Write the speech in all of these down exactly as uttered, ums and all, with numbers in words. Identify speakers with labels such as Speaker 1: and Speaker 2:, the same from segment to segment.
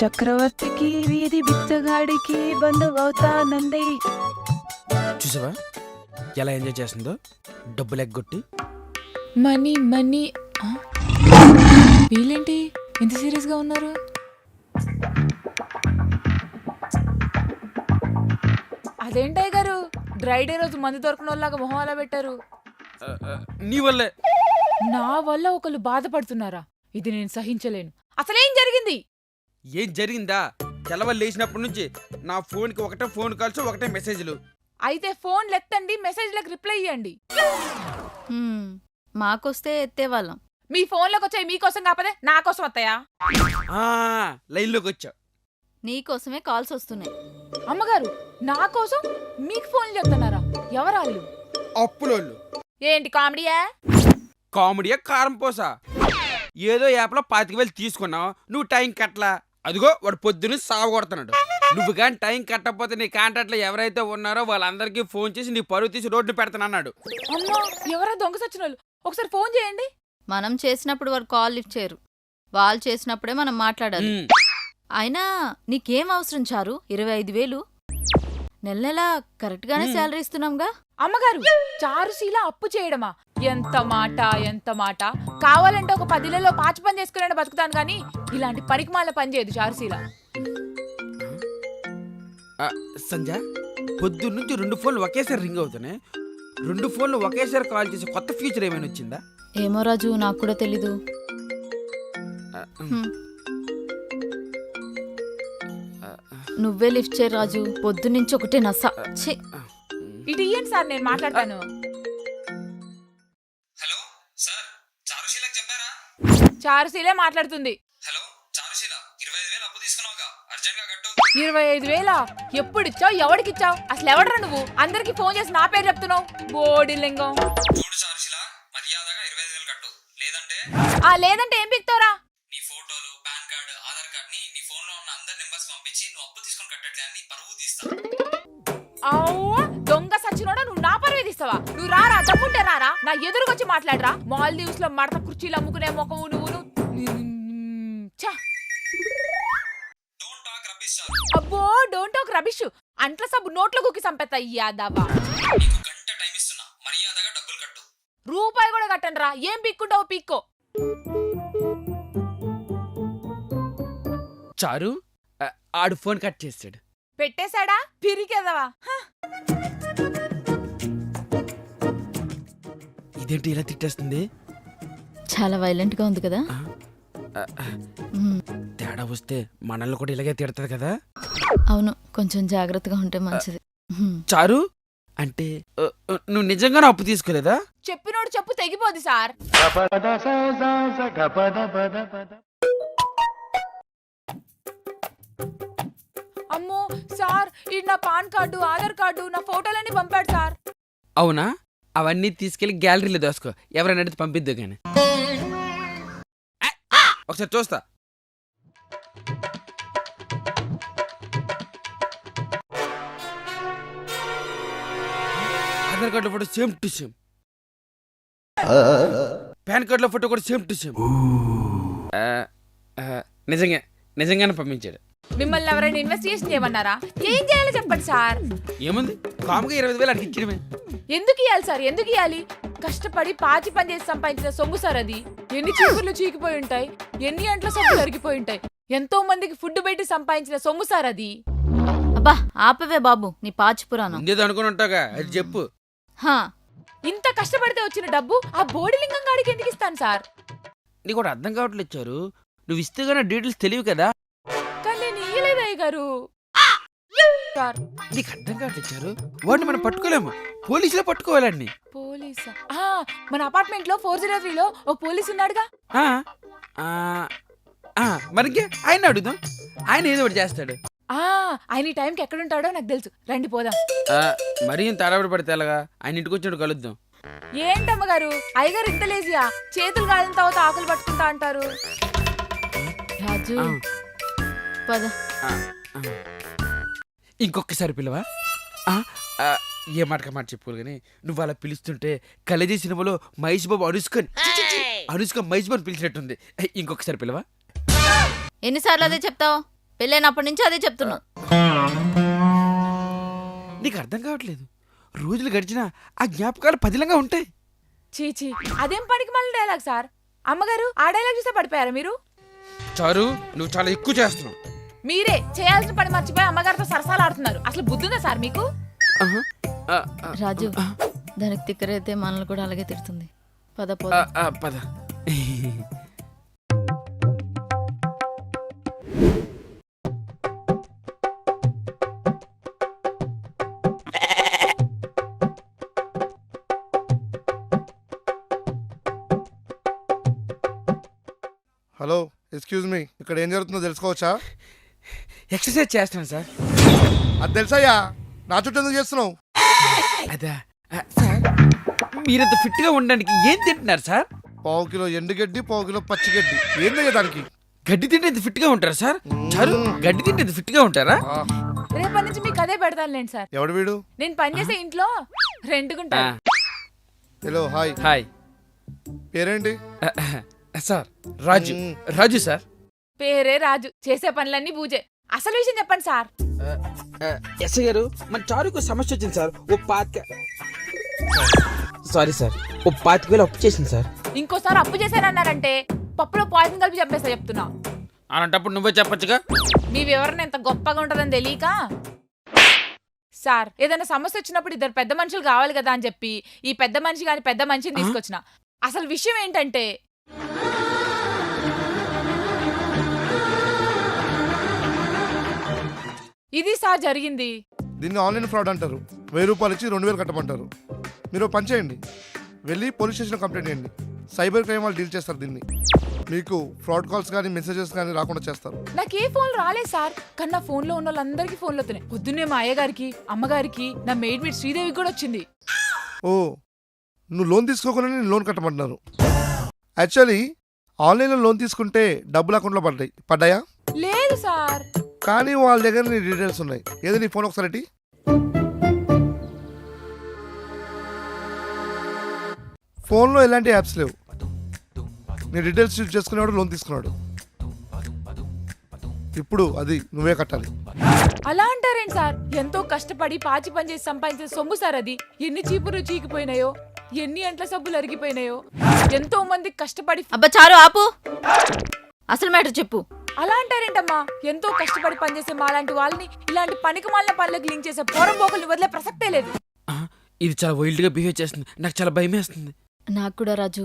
Speaker 1: చక్రవర్తికి వీధి బిచ్చగాడికి బంధువవుతానంది.
Speaker 2: చూసావా ఎలా ఎంజాయ్ చేస్తుందో డబ్బులు ఎగ్గొట్టి.
Speaker 3: మనీ మనీ వీళ్ళేంటి ఎంత సీరియస్ గా ఉన్నారు? అదేంటయ్య గారు డ్రై డే రోజు మందు దొరకని వాళ్ళలాగా మొహం అలా పెట్టారు?
Speaker 2: నీ వల్లే.
Speaker 3: నా వల్ల ఒకళ్ళు బాధపడుతున్నారా? ఇది నేను సహించలేను. అసలేం జరిగింది?
Speaker 2: ఏం జరిగిందా? తెల్లవారు లేచినప్పటి నుంచి నా ఫోన్కి ఒకటే ఫోన్ కాల్స్ ఒకటే మెసేజ్లు.
Speaker 3: అయితే ఫోన్ ఎత్తండి, మెసేజ్లకు రిప్లై ఇవ్వండి.
Speaker 4: మాకొస్తే ఎత్తేవాళ్ళం.
Speaker 3: మీ ఫోన్లోకి వచ్చాయి మీకోసం కాకపోతే నా కోసం వస్తాయా?
Speaker 2: లైన్లోకి వచ్చా.
Speaker 4: నీకోసమే కాల్స్ వస్తున్నాయి.
Speaker 3: అమ్మగారు నా కోసం మీకు ఫోన్ చెప్తున్నారా? ఎవరాళ్ళు?
Speaker 2: అప్పులోళ్ళు.
Speaker 3: ఏంటి కామెడీయా?
Speaker 2: కామెడీయా కారం పోసా? ఏదో యాప్లో పాతిక వేలు తీసుకున్నావు, నువ్వు టైం కట్టలా. అదిగో వాడు పొద్దున్న సాగు కొడుతున్నాడు. నువ్వు కానీ టైం కట్టకపోతే నీ కాంటాక్ట్లో ఎవరైతే ఉన్నారో వాళ్ళందరికీ ఫోన్ చేసి నీ పరువు తీసి రోడ్డు పెడతానన్నాడు.
Speaker 3: అమ్మా ఎవరో దొంగ సచ్చిన వాళ్ళు. ఒకసారి ఫోన్ చేయండి.
Speaker 4: మనం చేసినప్పుడు వారు కాల్ లిఫ్ట్ చేయరు, వాళ్ళు చేసినప్పుడే మనం మాట్లాడాలి. అయినా నీకేం అవసరం చారు? ఇరవై ఐదు వేలు నెల నెల కరెక్ట్ గానే శాలరీ ఇస్తున్నాంగా.
Speaker 3: అమ్మగారు చారుశీల అప్పు చేయడమా? ఎంత మాట ఎంత మాట. కావాలంటే ఒక పదిలలో పాచి పని చేసుకునే బతుకుతాను గానీ ఇలాంటి పనికిమాల పని చేయదు చారుశీల.
Speaker 2: సంజ పొద్దున్న నుంచి రెండు ఫోన్లు ఒకేసారి రింగ్ అవుతున్నాయి. రెండు ఫోన్లు ఒకేసారి కాల్ చేసి కొత్త ఫ్యూచర్ ఏమైనా వచ్చిందా?
Speaker 4: ఏమో రాజు, నాకు కూడా తెలీదు. నువ్వే లిఫ్ట్ చేయి రాజు, పొద్దున్నుంచి ఒకటే నస.
Speaker 3: ఇటు ఇయ్యండి సార్, నేను మాట్లాడతాను.
Speaker 5: హలో సార్, చారుశీలకు చెప్పారా?
Speaker 3: చారుశీలే మాట్లాడుతుంది.
Speaker 5: హలో చారుశీల, ఇరవై ఐదు వేలు అప్పు తీసుకున్నావుగా, అర్జెంట్ గా కట్టు.
Speaker 3: ఇరవై ఐదు వేలా? ఎప్పుడిచ్చావు? ఎవడికిచ్చావు? అసలు ఎవడరా నువ్వు? అందరికి ఫోన్ చేసి నా పేరు చెప్తున్నావు. బోడి లింగం.
Speaker 5: చూడు చారుశీల, మర్యాదగా ఇరవై ఐదు వేలు కట్టు, లేదంటే
Speaker 3: ఆ లేదంటే ఏం పిక్తావురా?
Speaker 5: నీ ఫోటోలు, పాన్ కార్డు, ఆధార్ కార్డ్ ని నీ ఫోన్ లో ఉన్న అందరి నెంబర్స్ పంపించి నువ్వు అప్పు తీసుకొని కట్టట్లే అని పరువు తీస్తా.
Speaker 3: అవ్వ దొంగ సచ్చినోడా, నువ్వు నా పరువు తీస్తావా? నువ్వు రారా, తప్పుంటే రారా, నా ఎదురుకొచ్చి మాట్లాడరా. మాల్దీవ్స్ లో మడత కుర్చీలు అమ్ముకునే మొక్కవు నువ్వు. అబ్బో డోంట్ టాక్ రబిష్. అంట్ల సబ్బు నోట్లో కుక్కి సంపెత్తా యాదవా.
Speaker 5: గంట టైం ఇస్తున్నా, మర్యాదగా డబ్బులు కట్టు.
Speaker 3: రూపాయి కూడా కట్టండి రా. ఏం పీక్కుంటావు పీక్కో.
Speaker 2: చారు ఆడు ఫోన్ కట్ చేసాడు.
Speaker 3: పెట్టేశాడా? పిరికెదవా.
Speaker 2: ఇదేంటి ఇలా తిట్టేస్తుంది?
Speaker 4: చాలా వైలెంట్ గా ఉంది కదా.
Speaker 2: తేడా వస్తే మనల్ని కూడా ఇలాగే తిడతాది కదా.
Speaker 4: అవును, కొంచెం జాగ్రత్తగా ఉంటే మంచిది.
Speaker 2: చారు అంటే నువ్వు నిజంగానే అప్పు తీసుకోలేదా?
Speaker 3: చెప్పినోడు చెప్పు తెగిపోదు సార్. అమ్మో సార్, ఇది నా పాన్ కార్డు, ఆధార్ కార్డు, నా ఫోటోలన్నీ పంపాడు సార్.
Speaker 2: అవునా? అవన్నీ తీసుకెళ్లి గ్యాలరీలో దోసుకో, ఎవరైనా అడిగితే పంపిద్దు కానీ. ఒకసారి చూస్తా. ఆధార్ కార్డులో photo same to same, PAN కార్డులో ఫోటో కూడా సేమ్ టు సేమ్. నిజంగా నిజంగానే పంపించాడు.
Speaker 3: మిమ్మల్ని ఎవరైనా ఇన్వెస్టిగేషన్ చేయమన్నారా? ఏం చేయాలో చెప్పండి సార్.
Speaker 2: ఏముంది, కాముగా ఇరవై వేలు అడిగి ఇచ్చడమే.
Speaker 3: ఎందుకు ఇవ్వాలి సార్? ఎందుకు ఇవ్వాలి? కష్టపడి పాచి పని చేసి సంపాదించిన సొమ్ము సార్ అది. ఎన్ని చీపుర్లు చీకిపోయి ఉంటాయి, ఎన్ని అంట్ల సొమ్ము జరిగిపోయి ఉంటాయి. ఎంతో మందికి ఫుడ్ పెట్టి సంపాదించిన సొమ్ము సార్ అది.
Speaker 4: అబ్బా ఆపవే బాబు నీ పాచి పురాణం.
Speaker 2: ఇంకేదో అనుకుని ఉంటాగా, అది చెప్పు.
Speaker 4: హా,
Speaker 3: ఇంత కష్టపడితే వచ్చిన డబ్బు ఆ బోడిలింగం గాడికి ఎందుకు ఇస్తాను సార్?
Speaker 2: నీకు కూడా అర్థం కావట్లేదు చారు. నువ్వు ఇస్తే గానీ డీటెయిల్స్ తెలియవు కదా.
Speaker 3: కానీ నేను ఇయ్యలేదయ్య గారు. సార్
Speaker 2: నీకు అర్థం కావట్లేదు చారు. వాడిని మనం పట్టుకోలేము, పోలీసులే పట్టుకోవాలండి.
Speaker 3: పోలీసా? మన అపార్ట్మెంట్ లో ఫోర్ జీరో త్రీ లో ఓ పోలీస్ ఉన్నాడుగా.
Speaker 2: మరికి ఆయన అడుగుదాం, ఆయన ఏదో ఒకటి చేస్తాడు.
Speaker 3: ఆయన ఈ టైంకి ఎక్కడుంటాడో నాకు తెలుసు. రండి పోదాం.
Speaker 2: మరీ ఇంత అడవిడి పడితే ఎలాగా? ఆయన ఇంటికి వచ్చినట్టు కలుద్దాం.
Speaker 3: ఏంటమ్మగారు అయ్యగారు ఇంత లేజియా? చేతులు కాలిన తర్వాత ఆకులు పట్టుకుంటా అంటారు.
Speaker 4: రాజు పద.
Speaker 2: ఇంకొకసారి పిల్లవా? ఏ మాటక మాట చెప్పుకోరు కానీ నువ్వు అలా పిలుస్తుంటే కలేజీ సినిమాలో మహేష్ బాబు అనుష్కని అనుష్క మహేష్ బాబు పిలిచినట్టుంది. ఇంకొకసారి పిల్లవా?
Speaker 4: ఎన్నిసార్లు అదే చెప్తావు? పెళ్ళైనప్పటి నుంచి అదే చెప్తున్నా.
Speaker 2: నీకు అర్థం కావట్లేదు. రోజులు గడిచినా ఆ జ్ఞాపకాలు పదిలంగా ఉంటాయి.
Speaker 3: చీచీ అదేం పనికి మళ్ళీ డైలాగ్ సార్. అమ్మగారు ఆ డైలాగ్ చూస్తే పడిపోయారా మీరు?
Speaker 2: చారు నువ్వు చాలా ఎక్కువ చేస్తున్నావు.
Speaker 3: మీరే చేయాల్సిన పని మర్చిపోయి అమ్మగారితో సరసాలు ఆడుతున్నారు. అసలు బుద్ధుందా సార్ మీకు?
Speaker 2: ఆహా. ఆ, ఆ,
Speaker 4: రాజు దానికి తిక్కరైతే మనల్ని కూడా అలాగే తిడుతుంది. పద పద.
Speaker 2: ఆ, ఆ, పద.
Speaker 6: హలో, ఎక్స్క్యూజ్ మీ, ఇక్కడ ఏం జరుగుతుందో తెలుసుకోవచ్చా?
Speaker 2: ఎక్సర్సైజ్ చేస్తున్నాను సార్.
Speaker 6: అది తెలుసయ్యా, నా చుట్టూ ఎందుకు చేస్తున్నావు?
Speaker 2: అదా ఆ, సార్ మీరంత ఫిట్ గా ఉండడానికి ఏం తింటున్నారు సార్?
Speaker 6: పావు కిలో ఎండుగడ్డి, పావు కిలో పచ్చిగడ్డి. ఏందయ్యా దానికి?
Speaker 2: గడ్డి తింటే ఇంత ఫిట్ గా ఉంటారా సార్? చారు గడ్డి తింటే ఇంత ఫిట్ గా ఉంటారా?
Speaker 6: ఆ,
Speaker 3: రేపటి నుంచి మీకు అదే పెడతానులేండి సార్.
Speaker 6: ఎవడు వీడు?
Speaker 3: నేను పనిచేసే ఇంట్లో రెంట్కుంటా.
Speaker 2: ఆ,
Speaker 6: హలో, హాయ్,
Speaker 2: హాయ్
Speaker 6: పేరేంటి?
Speaker 2: ఆ, ఆ, సార్ రాజు.
Speaker 6: మ్మ్.
Speaker 2: రాజు సార్.
Speaker 3: పేరే రాజు, చేసే పనులన్నీ బూజే. అసలు విషయం చెప్పండి సార్.
Speaker 2: ఎస్ఐ గారు, మన చారుకు సమస్య వచ్చింది సార్. ఓ పాతిక సారీ సార్ ఓ పాతిక వేలు అప్పు చేసింది సార్.
Speaker 3: ఇంకోసారి అప్పు చేశానన్నారంటే పప్పులో పాయిజన్ కలిపి చెప్పేస్తా చెప్తున్నా.
Speaker 2: అలాంటప్పుడు నువ్వే చెప్పొచ్చుగా.
Speaker 3: మీ వివరణ ఎంత గొప్పగా ఉంటుందని తెలియక సార్ ఏదైనా సమస్య వచ్చినప్పుడు ఇద్దరు పెద్ద మనుషులు కావాలి కదా అని చెప్పి ఈ పెద్ద మనిషి గాని పెద్ద మనిషిని తీసుకొచ్చిన. అసలు విషయం ఏంటంటే ఇది సార్ జరిగింది.
Speaker 6: దీన్ని ఆన్లైన్ ఫ్రాడ్ అంటారు. వెయ్యి రూపాయలు ఇచ్చి రెండు వేలు కట్టమంటారు. మీరు ఓ పని చేయండి, వెళ్ళి పోలీస్ స్టేషన్ కంప్లైంట్ చేయండి. సైబర్ క్రైమ్ వాళ్ళు డీల్ చేస్తారు దీన్ని. మీకు ఫ్రాడ్ కాల్స్ కానీ మెసేజెస్ కానీ రాకుండా చేస్తారు.
Speaker 3: నాకు ఏ ఫోన్ రాలేదు సార్, కానీ నా ఫోన్ లో ఉన్న వాళ్ళందరికీ ఫోన్లు వస్తున్నాయి. పొద్దున్నే మా అయ్యగారికి, అమ్మగారికి, నా మెయిడ్ మీట్ శ్రీదేవికి కూడా వచ్చింది.
Speaker 6: ఓ, నువ్వు లోన్ తీసుకోకుండా నేను లోన్ కట్టమంటున్నారు. యాక్చువల్లీ ఆన్లైన్లో లోన్ తీసుకుంటే డబ్బులు అకౌంట్లో పడ్డాయి పడ్డాయా?
Speaker 3: లేదు సార్.
Speaker 6: కానీ వాళ్ళ దగ్గర నీ డీటెయిల్స్ ఉన్నాయి. ఏదో నీ ఫోన్ ఒకసారి ఇటీ. ఫోన్లో ఎలాంటి యాప్స్ లేవు. నీ డీటెయిల్స్ యూజ్ చేసుకునేవాడు లోన్ తీసుకున్నాడు. ఇప్పుడు అది నువ్వే కట్టాలి.
Speaker 3: అలా అంటారేంటి సార్? ఎంతో కష్టపడి పాచి పని చేసి సంపాదించిన సొమ్ము సార్ అది. ఎన్ని చీపురు చీకిపోయినాయో, ఎన్ని అంట్ల సబ్బులు అరిగిపోయినాయో. ఎంతో మంది కష్టపడి
Speaker 4: అబ్బా చారు ఆపు. అసలు మ్యాటర్ చెప్పు.
Speaker 3: అలా అంటారేంటమ్మా? ఎంతో కష్టపడి పనిచేసే మాలాంటి వాళ్ళని ఇలాంటి పనికి మాలిన పనులకు లింక్ చేసే పోరం పోకల్ని వదిలే ప్రసక్తే లేదు.
Speaker 2: ఆ, ఇది చాలా వైల్డ్ గా బిహేవ్ చేస్తుంది. నాకు చాలా భయం వేస్తుంది.
Speaker 4: నాకు కూడా రాజు.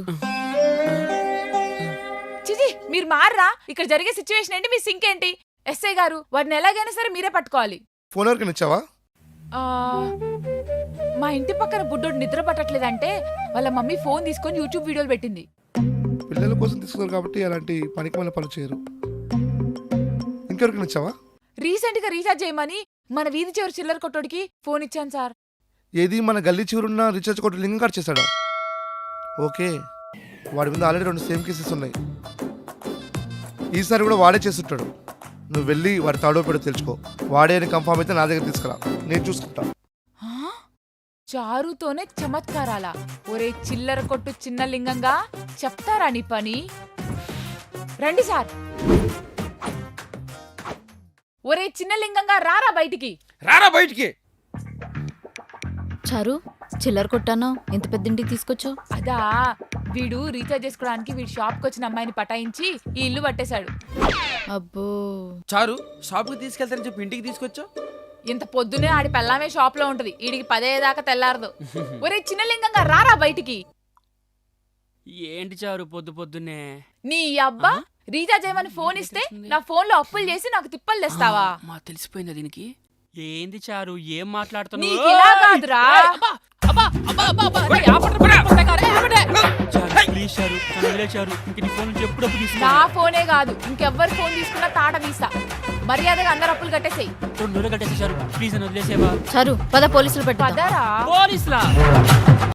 Speaker 3: చిచి మీరు మారరా? ఇక్కడ జరిగే సిచ్యువేషన్ ఏంటి, మీ సింక్ ఏంటి? ఎస్ఐ గారు వాడిని ఎలాగైనా సరే మీరే పట్టుకోవాలి.
Speaker 6: ఫోన్ ఎవరికైనా ఇచ్చావా?
Speaker 3: ఆ, మా ఇంటి పక్కన బుడ్డోడు నిద్ర పట్టట్లేదంటే వాళ్ళ మమ్మీ ఫోన్ తీసుకొని యూట్యూబ్ వీడియోలు పెట్టింది.
Speaker 6: పిల్లల కోసం తీసుకున్నారు కాబట్టి అలాంటి పనికి మళ్ళీ పనులు చేయరు. ఇంకెవరికైనా ఇచ్చావా?
Speaker 3: రీసెంట్ గా రీఛార్జ్ చేయమని మన వీధి చివరి చిల్లర కొట్టోడికి ఫోన్ ఇచ్చాను సార్.
Speaker 6: ఏది మన గల్లీ చివరున్న రీఛార్జ్ కొట్టు లింక్ కట్ చేశాడా? ఓకే, వాడి మీద ఆల్రెడీ రెండు సేమ్ కేసెస్ ఉన్నాయి. ఈసారి కూడా వాడే చేస్తుంటాడు. నువ్వు వెళ్ళి వాడి తాడో పెడో తెలుసుకో. వాడే అని కన్ఫామ్ అయితే నా దగ్గర తీసుకురా, నేను చూసుకుంటా.
Speaker 3: ఆ? చారుతోనే చమత్కారాలా? ఒరే చిల్లర కొట్టు చిన్న లింగంగా, చెప్తారా నీ పని? రండి సార్. ఒరే చిన్న లింగంగా రారా బయటికి.
Speaker 2: రారా బయటికి.
Speaker 4: చారు చిల్లర కొట్టాను, ఎంత పెద్దింటికి తీసుకొచ్చావు?
Speaker 3: అదా, వీడు రీఛార్జ్ చేసుకోవడానికి వీడి షాప్కి వచ్చిన అమ్మాయిని పటాయించి ఈ ఇల్లు పట్టేశాడు.
Speaker 4: అబ్బో.
Speaker 2: చారు షాప్కి తీసుకెళ్తానని చెప్పి ఇంటికి తీసుకొచ్చావు.
Speaker 3: ఇంత పొద్దునే ఆడి పెళ్ళామే షాప్ లో ఉంటది, ఈడికి పదేదాకా తెల్లారదు. ఒరే చిన్న లింగంగా రారా బయటికి.
Speaker 7: ఏంటి చారు పొద్దు పొద్దున్నే?
Speaker 3: నీ అబ్బా రీఛార్జ్ చేయమని ఫోన్ ఇస్తే నా ఫోన్ లో అప్పులు చేసి నాకు తిప్పలు తెస్తావా?
Speaker 7: మా తెలిసిపోయిందా దీనికి? ఏంది చారు ఏం మాట్లాడుతున్నావు?
Speaker 3: నీకు ఇలా కాదురా.
Speaker 7: చారు, ప్లీజ్ చారు, నన్ను వదిలే చారు. ఇంక నీ ఫోన్ నుంచి ఎప్పుడప్పుడు
Speaker 3: నా
Speaker 7: తీసుకో.
Speaker 3: ఫోనే కాదు ఇంకెవ్వరి ఫోన్ తీసుకున్నా తాట తీస్తా. మర్యాదగా అందరు అప్పులు కట్టేసేయి.
Speaker 7: రెండు రోజులు కట్టేసి చారు, ప్లీజ్ నన్ను వదిలేసేవా?
Speaker 4: చారు పద పోలీసులు పెట్టు.
Speaker 3: పదరా.
Speaker 7: పోలీసులా?